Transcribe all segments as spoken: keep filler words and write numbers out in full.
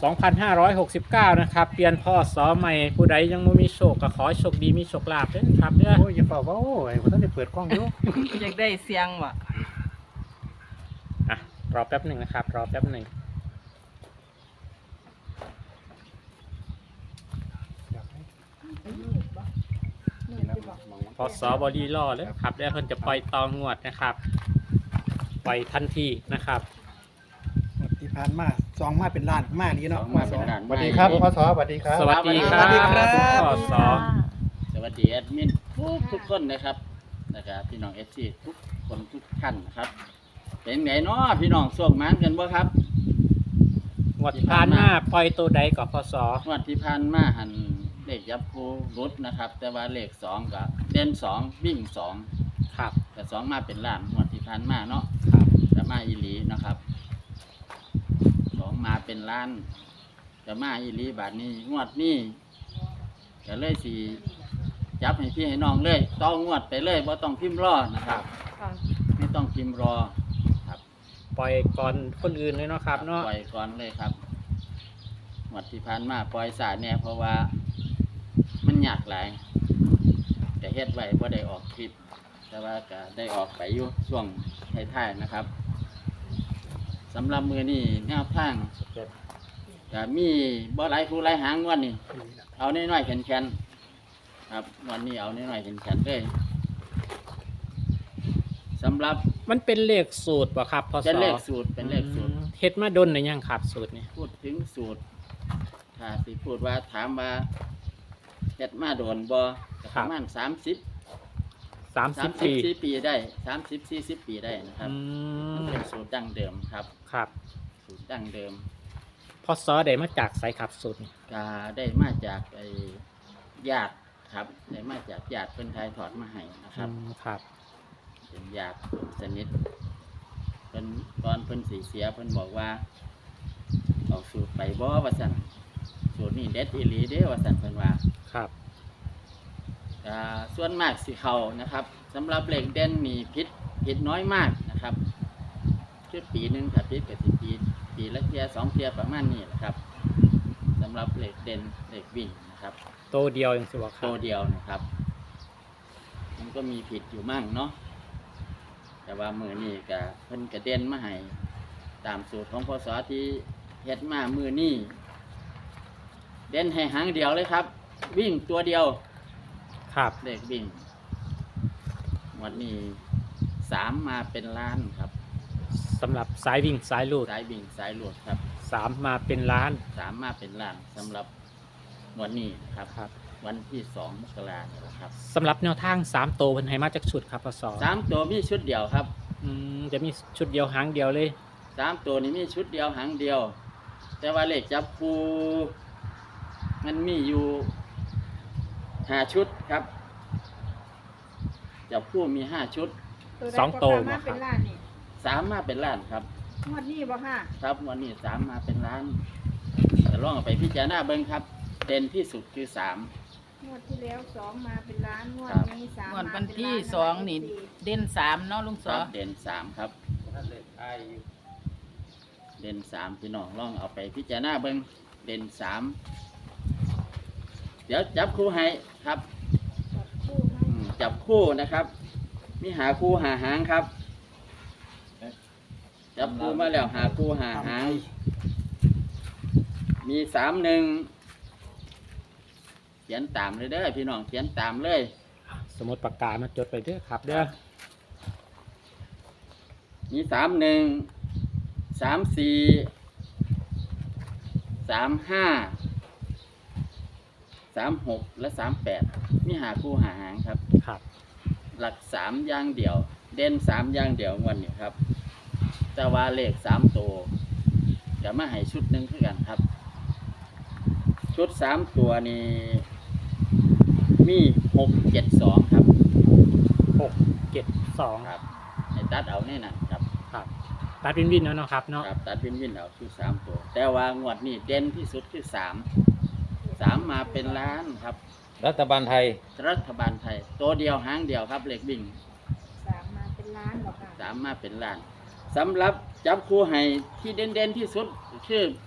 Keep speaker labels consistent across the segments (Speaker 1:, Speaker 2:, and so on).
Speaker 1: สองพันห้าร้อยหกสิบเก้านะครับเปลี่ยนพ่อสอใหม่ผู้ใดยังไม่มีโชคก็ขอให้โชคดีมีโชคลาภด้วยครับเด้อ
Speaker 2: โอ้ยอย่าเฝ้าเว้าไอ้ผมต้องได้เปิดกล้องอยู่
Speaker 3: อยากได้เสียงวะ
Speaker 1: อ่ะรอแป๊บหนึ่งนะครับรอแป๊บหนึ่งพอสอบอดีล่อเลยครับแล้วเพิ่นจะปล่อยตองวดนะครับปล่อยทันทีนะครับ
Speaker 4: ที่ผ่านมาสองมาเป็นล้านมากนี้เนาะ
Speaker 5: สองมาเป็นล้าน
Speaker 2: สวัสดีครับพศสวัสดีครับ
Speaker 1: สวัสดีครับ
Speaker 4: สวัสดีครับ
Speaker 1: พ่อสอ
Speaker 5: สวัสดีแอดมินทุกทุกคนนะครับนะครับพี่น้องเอฟซีทุกคนทุกท่านนะครับเป็นไงเนาะพี่น้องส่งมันกันบ่ครับ
Speaker 1: งวดผ่านมาปล่อยตัวใดกับพอสอง
Speaker 5: วดที่ผ่านมาหันเลขยับคูรุดนะครับ แต่ว่าเลขสองกับเด่นสองวิ่งสอง
Speaker 1: ครับ
Speaker 5: แต่สองมาเป็นล้านงวดที่ผ่านมาเนาะ
Speaker 1: ครับ
Speaker 5: จะมาอีหลีนะครับสองมาเป็นล้านจะมาอีหลีบาทนี้งวดนี้จะเลยสีจับให้พี่ให้น้องเลยต้องงวดไปเลยว่าต้องพิมพ์รอนะครับ
Speaker 3: ค่ะ
Speaker 5: ไม่ต้องพิมพ์รอครับ
Speaker 1: ปล่อยก่อนคนอื่นเลยเนาะครับเนาะ
Speaker 5: ปล่อยก่อนเลยครับงวดที่ผ่านมาปล่อยสายแน่เพราะว่ามันยากหลายแต่เฮ็ดไว้พอได้ออกคลิป แต่ว่าก็ได้ออกไปอยู่ช่วงท้ายๆนะครับสำหรับมือนี่แนวทางก็มีบ่หลายคู่หลายหางงวันนี้เอาน้อยๆแข็งๆครับวันนี้เอาน้อยๆแข็งๆเลยสำหรับ
Speaker 1: มันเป็นเลขสูตรป่ะครับพอสอ
Speaker 5: เป็นเลขสูตรเป็นเลขสูตร
Speaker 1: อืมเฮ็ดมาดนหรือยังครับสูตรนี่
Speaker 5: พูดถึงสูตรถ้าสิพูดว่าถามว่าเฮ็ดมาโดนบ่ก็ประมาณสามสิบ
Speaker 1: สาม
Speaker 5: สา
Speaker 1: สิ
Speaker 5: ม
Speaker 1: บ
Speaker 5: สิบ
Speaker 1: ปี
Speaker 5: สี่ปีได้สามสิบสี่สิบปีได้นะครับ
Speaker 1: อื
Speaker 5: มัน
Speaker 1: ม
Speaker 5: เป็นสูตรดั้งเดิมครับ
Speaker 1: ครับ
Speaker 5: สูตรดั้งเดิม
Speaker 1: พอสอได้มาจากไสครับสูตรนี่
Speaker 5: ก็ได้มาจากไอ้ญาติครับได้มาจากญาติเพิ่นทายถอดมาให้นะครับ
Speaker 1: อืมครับ
Speaker 5: เป็นญาติสนิทเพิ่นตอนเพิ่นสีเสียเพิ่นบอกว่าเอาสูตรไปบ่ว่าซั่นสูตรนี้เด็ดอีหลีเด้ว่าซั่นเพิ่นว่า
Speaker 1: ครับ
Speaker 5: อ่าส่วนมากสิเขานะครับสำหรับเหล็กเด่นมีพิษพิษน้อยมากนะครับคือปีหนึ่งถ้าพิษก็สิปีปีละเทียสองเทียประมาณนี้แหละครับสำหรับเหล็กเด่นเหล็กวิ่งนะครับ
Speaker 1: โตเดียวยังสิบ่ครั
Speaker 5: ตั
Speaker 1: บ
Speaker 5: วเดียวนะครับ มันก็มีผิดอยู่มั่งเนาะแต่ว่ามือนี่ก็เพิ่นกระเด่นมาให้ตามสูตรของพศที่เฮ็ดมามือนี่เด่นให้หางเดียวเลยครับ วิ่งตัวเดียว
Speaker 1: ครับ
Speaker 5: เลขวิ่งวันนี้สามมาเป็นล้านครับ
Speaker 1: สำหรับสายวิ่งสายลูด
Speaker 5: สายวิ่งสายหลวดครับ
Speaker 1: สามมาเป็นล้าน
Speaker 5: สามมาเป็นล้านสำหรับวันนี้ครับ
Speaker 1: ครับ
Speaker 5: วันที่สองมกราคมครับ
Speaker 1: สำหรับแนวทางสามโตวเพิ่นให้มาจากชุดครับพอสอ
Speaker 5: สามตัวมีชุดเดียวครับ
Speaker 1: อืมจะมีชุดเดียวหางเดียวเลย
Speaker 5: สามตัวนี้มีชุดเดียวหางเดียว แต่ว่าเลขจับคู่มันมีอยู่ห้าชุดครับจับคู่มีห้าชุด
Speaker 1: สองโต
Speaker 3: มาเป็นล้านนี่
Speaker 5: สามมาเป็นล้านครับ
Speaker 3: งวดนี้บ่ค่ะ
Speaker 5: ครับวันนี้สามมาเป็นล้านจะลองเอาไปพิจารณาเบิ้งครับ เด่นที่สุดคือสาม
Speaker 3: งวดที่แล้วสองมาเป็นล้านงวด
Speaker 5: ครับ
Speaker 3: นี้สาม
Speaker 6: งวด
Speaker 3: มา
Speaker 6: วัน
Speaker 3: เป็น
Speaker 6: ที่
Speaker 3: ล้าน
Speaker 6: สองนี่เด่นสามเนาะลุง
Speaker 5: ค
Speaker 6: ส
Speaker 5: รั
Speaker 6: อบ
Speaker 5: เด่นสามครับ เด่นสามพี่น้องลองเอาไปพิจารณาเบิ้งเด่นสามเดี๋ยวจับคู่ให้ครับ
Speaker 3: จับคู่ให้
Speaker 5: อืมจับคู่นะครับ มีหาคู่หาหางครับ จับคู่มาแล้วหาคู่หาหาง มีสามหนึ่งเขียนตามเลยเด้อพี่น้องเขียนตามเลย
Speaker 1: สมมติปากกามาจดไปเด้อครับเด้อ
Speaker 5: มีสามหนึ่งสามสี่สามห้าสามหกและสามแปดมีหาคู่หาหางครับ
Speaker 1: ครับ
Speaker 5: หลักสามอย่างเดียว เด่นสามอย่างเดียวงวันนี้ครับแต่ว่าเลขสามตัวจะมาให้ชุดหนึ่งเพื่อกันครับ ชุดสามตัวนี้มีหกเจ็ดสองครับ
Speaker 1: หกเจ็ดสอง
Speaker 5: ครับให้ตัดเอาแน่นอนครับ
Speaker 1: ครับตัดวินวินแล้วเนาะครับเนาะ
Speaker 5: ครับตัดวินวินเอาชุดสามตัว แต่ว่างวดนี้เด่นที่สุดคือสามสามมาเป็นล้านครับ
Speaker 2: รัฐบาลไทย
Speaker 5: รัฐบาลไทย ตัวเดียวหางเดียวครับเลขวิ่ง
Speaker 3: สามมาเป็นล้านหรอค่ะ
Speaker 5: สามมาเป็นล้านสำหรับจับคู่ให้ที่เด่นเด่นๆที่สุดคือ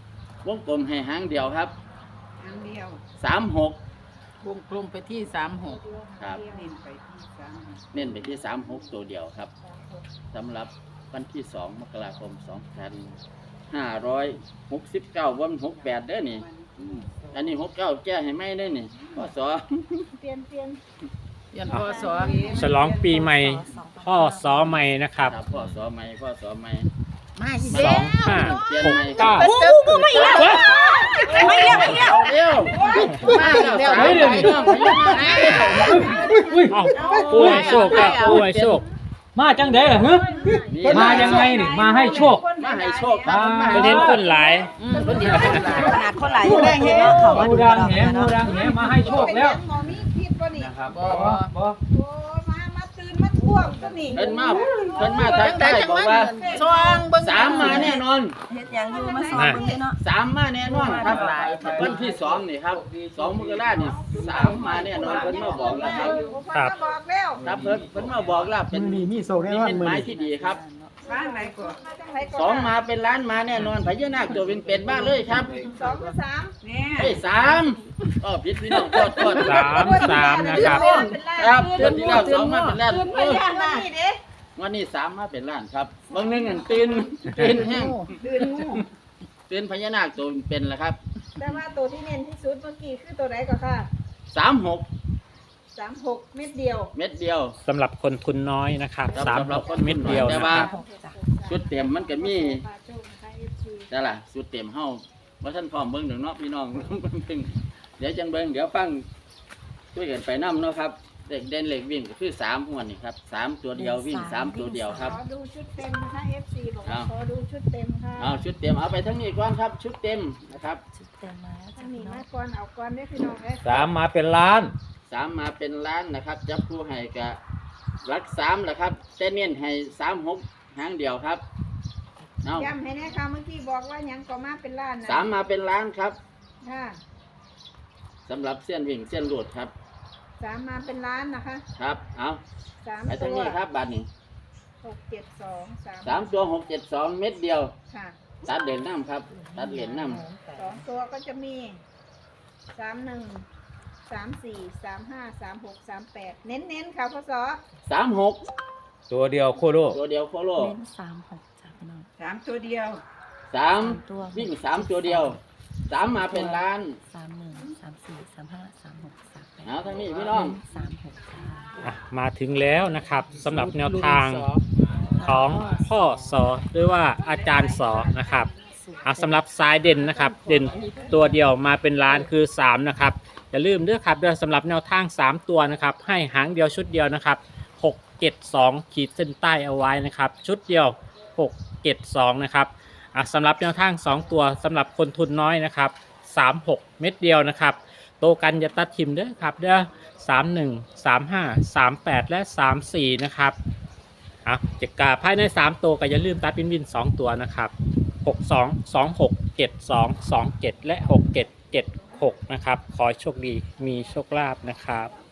Speaker 5: วงกลมให้หางเดียวครับ
Speaker 3: อันเดียว
Speaker 5: สามหก
Speaker 6: วงกลมไปที่สามหก
Speaker 5: ครับ
Speaker 3: เน้นไปที่สามหก
Speaker 5: เน้นไปที่สามหกตัวเดียวครับสำหรับวันที่สองมกราคมสองพันห้าร้อยหกสิบเก้าวันหกแปดเด้อนี่อันนี้หกเก้าแก้ให้ไม่ได้นี่พศ
Speaker 3: เปลี่ยนเปลี่ยน
Speaker 6: เรียนพศ
Speaker 1: ฉลองปีใหม่พ่อสอใหม่นะครับ
Speaker 5: ครับพ่อสอใหม่พ่อสอใหม่
Speaker 6: มาอีก
Speaker 1: ส
Speaker 6: แล้
Speaker 1: อง
Speaker 6: ว
Speaker 1: ห้า
Speaker 5: เปลี่ยน
Speaker 1: หก
Speaker 5: ใหม่
Speaker 1: เก้า
Speaker 6: โอ้โหไม่แล้ว
Speaker 5: ไม่เร็วไม่เร็วเร็วมาแล้วสามใบน้องพญานาค
Speaker 1: เอ้าผู้ให้โชคครับผู้ให้โชค
Speaker 2: มาจังได๋ล่ะฮึ
Speaker 5: นี่
Speaker 2: มายังไงนี่มาให้โชค
Speaker 5: มาให้โชคครับ
Speaker 2: มา
Speaker 1: ประเด็นคนหลาย
Speaker 6: อืมคนเดียวคนหลาย
Speaker 7: ขนาดคนหลายอยู่ได้เห็นเนาะเขาว่า
Speaker 2: งู
Speaker 7: ดู
Speaker 2: ดัง
Speaker 7: เรา
Speaker 2: แหงูดังแหมาให้โชคแล้ว
Speaker 3: หมอมีผิดป่ะนี่
Speaker 2: นะครับ
Speaker 6: บ่
Speaker 2: บ่บ่
Speaker 3: โอ้มามาตื่นมาท่วงตัวนี่
Speaker 5: เพิ่นมาเพิ่นมาทัก
Speaker 6: จังใด
Speaker 5: ทาย
Speaker 6: จัง
Speaker 5: บอก
Speaker 6: มัน
Speaker 5: ว่า
Speaker 6: ซองเบิ่ง
Speaker 5: สามมาแน่นอน
Speaker 7: เฮ็ดหยังอยู่มาสอนเบิ่งนี่เนาะ
Speaker 5: สามมาแน่นอนครับวันที่สองนี่ครับสองมกรานี่สามมาแน่นอนเพิ่นมาบอกแล้วครับ
Speaker 1: ครับ
Speaker 3: บอกแล้ว
Speaker 5: ครับเพิ่นเพิ่นมาบอกแล้วเป็น
Speaker 2: มื้อนี้มีโชคแน่
Speaker 5: นี่
Speaker 2: นอน
Speaker 5: เป็น
Speaker 2: มื้อ
Speaker 5: ไม้
Speaker 2: นี้
Speaker 5: ที่ดีครับ
Speaker 3: บ้านไหนก่อนมาจังไหนก่อน
Speaker 5: สองมาเป็นล้านมาแน่นอนพญานาคตัวเป็นเป็นๆบ้าเลยครับ
Speaker 3: สองกับสามเนี่ย
Speaker 5: เฮ้ยสามอ๋อผิดพี่น้องโทษโทษ
Speaker 1: สามสามนะครับ
Speaker 5: ครับเดือนที่แล้วสองมาเป็นล้าน
Speaker 3: ตื่นพ
Speaker 5: เอ้ย
Speaker 3: ญานาคนี่เด้
Speaker 5: วันนี้สามมาเป็นล้านครับบางหนึงอันตื่นตื่นแห้ง
Speaker 3: ตื่นงู
Speaker 5: ตื่นพญานาคตัวเป็นๆแล้วครับ
Speaker 3: แต่ว่าตัวที่เน้นที่สุดเมื่อกี้คือตัวไหนก่อนค่ะ
Speaker 5: สามหก
Speaker 3: สามหกเม็ดเดียว
Speaker 5: เม็ดเดียว
Speaker 1: สำหรับคนทุนน้อยนะครับ
Speaker 5: ครับ
Speaker 1: สาม
Speaker 5: สำหรับคน
Speaker 1: เม็ดเดียว
Speaker 5: แต่
Speaker 1: นะ
Speaker 5: ว่า
Speaker 1: ครับ
Speaker 7: จ้ะ
Speaker 5: ชุดเต็มมันก็มี
Speaker 3: ปลาโจ้นะคะเอฟซี
Speaker 5: นั่นล่ะชุดเต็มเฮาว่าท่านพร้อมเบิ่งเดี๋ยวเนาะพี่น้อง เดี๋ยวจังเบิ่งเดี๋ยวฟังคุยกันไปนํเนาะครับเด็กเด่นเหล็กวิ่งก็คือสามหัวนี่ครับสามตัวเดียววิ่งสามตัวเดียวครับ
Speaker 3: ขอดูชุดเต็มนะคะเอฟซีบอกว่า
Speaker 5: เอา
Speaker 3: ขอดูชุดเต็มค่ะ
Speaker 5: เอาชุดเต็มเอาไปทั้งนี้ก่อนครับ ชุดเต็มนะครับ
Speaker 7: ชุดเต็มมาแล้ว
Speaker 3: ถ้า
Speaker 7: จ้ะ
Speaker 3: มี
Speaker 7: พี่น้อ
Speaker 3: มาง ก่อนเอาก่อนได้อพี่น้องเอ้ย
Speaker 2: สามมาเป็นล้าน
Speaker 5: สามมาเป็นล้านนะครับจับคู่ให้กะรักสามแหละครับแต่เน้นให้สามหกหางเดียวครับเอา
Speaker 3: ย้ำให้แน่ค่ะเมื่อกี้บอกว่าหยังก็มาเป็นล้านนะ
Speaker 5: สามมาเป็นล้านครับ
Speaker 3: ค่ะ
Speaker 5: สำหรับเส้นวิ่งเส้นหลุดครับ
Speaker 3: สามมาเป็นล้านนะคะ
Speaker 5: ครับเอา
Speaker 3: สาม
Speaker 5: ไปทั้ง
Speaker 3: ตัว
Speaker 5: นี้ครับบัตรนี้
Speaker 3: หกเจ็ดสองสาม
Speaker 5: สามตัวหกเจ็ดสองเม็ดเดียว
Speaker 3: ค่ะ
Speaker 5: ตัดเหรียญน้ำครับ ตัดเหรียญน้
Speaker 3: สองตัวก็จะมีสามหนึ่งสามสี่สามห้าสามหกสามแปดเน้นเน้นๆค่ะพศ
Speaker 5: ำสามหก
Speaker 2: ตัวเดียวโคโล
Speaker 5: ตัวเดียวโคโล
Speaker 7: เน้นสามหกจ้ะพี่น้อง
Speaker 3: สามตัวเดียว
Speaker 5: สาม
Speaker 7: สามตัว
Speaker 5: วิ่งสามตัวเดียวสามมาเป็นล้าน
Speaker 7: สามหนึ่งสามสี่สามห้าสามหกสามแปด
Speaker 5: เอาทั้งนี้พี่น้อง
Speaker 7: เสามหกจ้า
Speaker 1: อ่ะมาถึงแล้วนะครับสำหรับแนวทางของพ่อสอหรือว่าอาจารย์สอนะครับอ่ะสำหรับสายเด่นนะครับ เด่นตัวเดียวมาเป็นล้านคือสามนะครับอย่าลืมเด้อครับเด้อสำหรับแนวทางสามตัวนะครับให้หางเดียวชุดเดียวนะครับหกเจ็ดสองขีดเส้นใต้เอาไว้นะครับชุดเดียวหกเจ็ดสองนะครับอ่ะสำหรับแนวทางสองตัวสำหรับคนทุนน้อยนะครับสามหกเม็ดเดียวนะครับโตกันอย่าตัดทิมเด้อครับเด้อสามหนึ่งสามห้าสามแปดและสามสี่นะครับอ่ะเจ็กกาภายในสามตัวก็อย่าลืมตัดวินวินสองตัวนะครับหกสองสองหกเจ็ดสองสองเจ็ดและหกเจ็ดเจ็ดหกนะครับขอให้โชคดีมีโชคลาภนะครับ